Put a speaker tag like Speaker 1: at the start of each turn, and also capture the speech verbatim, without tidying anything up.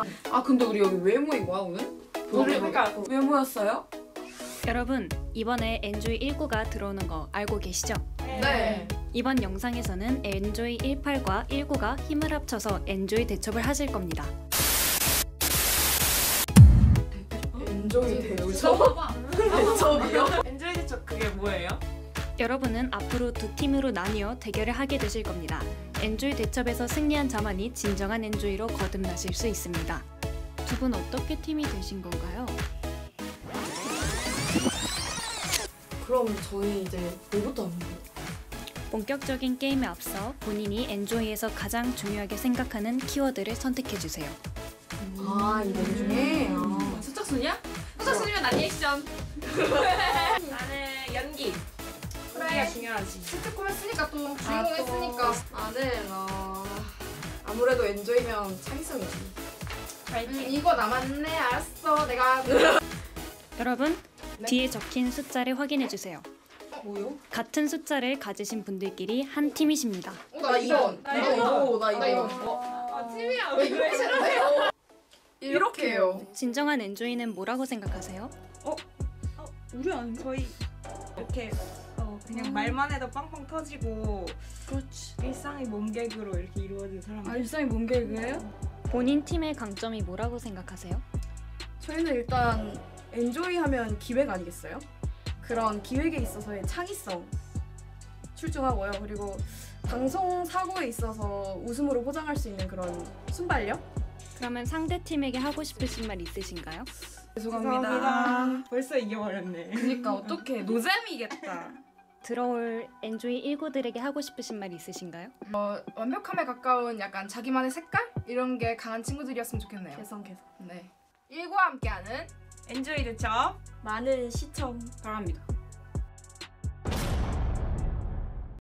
Speaker 1: 아, 아 근데 우리 여기 왜 모인 거야 오늘?
Speaker 2: 우리 그러니까 왜 모였어요?
Speaker 3: 여러분, 이번에 엔조이 일구가 들어오는 거 알고 계시죠?
Speaker 1: 네.
Speaker 3: 이번 영상에서는 엔조이 십팔과 십구가 힘을 합쳐서 엔조이 대첩을 하실 겁니다.
Speaker 1: 엔조이 대우죠? 대첩이요?
Speaker 2: 엔조이 대첩 그게 뭐예요?
Speaker 3: 여러분은 앞으로 두 팀으로 나뉘어 대결을 하게 되실 겁니다. 엔조이 대첩에서 승리한 자만이 진정한 엔조이로 거듭나실 수 있습니다. 두 분 어떻게 팀이 되신 건가요?
Speaker 1: 그럼 저희 이제 뭐부터 하는 거예요?
Speaker 3: 본격적인 게임에 앞서 본인이 엔조이에서 가장 중요하게 생각하는 키워드를 선택해주세요.
Speaker 1: 아, 이 내용 중에? 아.
Speaker 2: 수척순이야? 수척순이면 난 리액션. 나는 연기. 연기가 중요하지.
Speaker 4: 시트콤 했으니까 또
Speaker 1: 아,
Speaker 4: 주인공
Speaker 1: 또.
Speaker 4: 했으니까 나는 어... 아무래도 엔조이면 창의성이지. 음, 이거 남았네. 알았어. 내가
Speaker 3: 여러분,
Speaker 4: 네?
Speaker 3: 뒤에 적힌 숫자를 확인해주세요.
Speaker 1: 뭐요?
Speaker 3: 같은 숫자를 가지신 분들끼리 한 팀이십니다.
Speaker 4: 어, 나 이번.
Speaker 2: 나
Speaker 4: 이거
Speaker 2: 이거.
Speaker 4: 이거. 나
Speaker 1: 나
Speaker 4: 이거.
Speaker 1: 이거.
Speaker 2: 아, 팀이야.
Speaker 4: 왜 이렇게 싫은데요? 이렇게 해요.
Speaker 3: 진정한 엔조이는 뭐라고 생각하세요?
Speaker 5: 우리 안 거의 이렇게 어, 그냥 말만 해도 빵빵 터지고
Speaker 1: 그렇지.
Speaker 5: 일상이 몸개그로 이렇게 이루어진 사람들.
Speaker 1: 일상이 뭔 계획이에요?
Speaker 3: 본인 팀의 강점이 뭐라고 생각하세요?
Speaker 6: 저희는 일단 엔조이 하면 기획 아니겠어요? 그런 기획에 있어서의 창의성 출중하고요. 그리고 방송 사고에 있어서 웃음으로 포장할 수 있는 그런 순발력?
Speaker 3: 그러면 상대 팀에게 하고 싶으신 말 있으신가요?
Speaker 5: 죄송합니다. 벌써 이겨버렸네.
Speaker 1: 그니까 어떡해. 노잼이겠다.
Speaker 3: 들어올 엔조이 일구들에게 하고 싶으신 말 있으신가요?
Speaker 4: 어, 완벽함에 가까운 약간 자기만의 색깔? 이런 게 강한 친구들이었으면 좋겠네요.
Speaker 6: 개성 개성.
Speaker 4: 네. 일과 함께하는
Speaker 5: 엔조이 대첩.
Speaker 6: 많은 시청
Speaker 1: 바랍니다.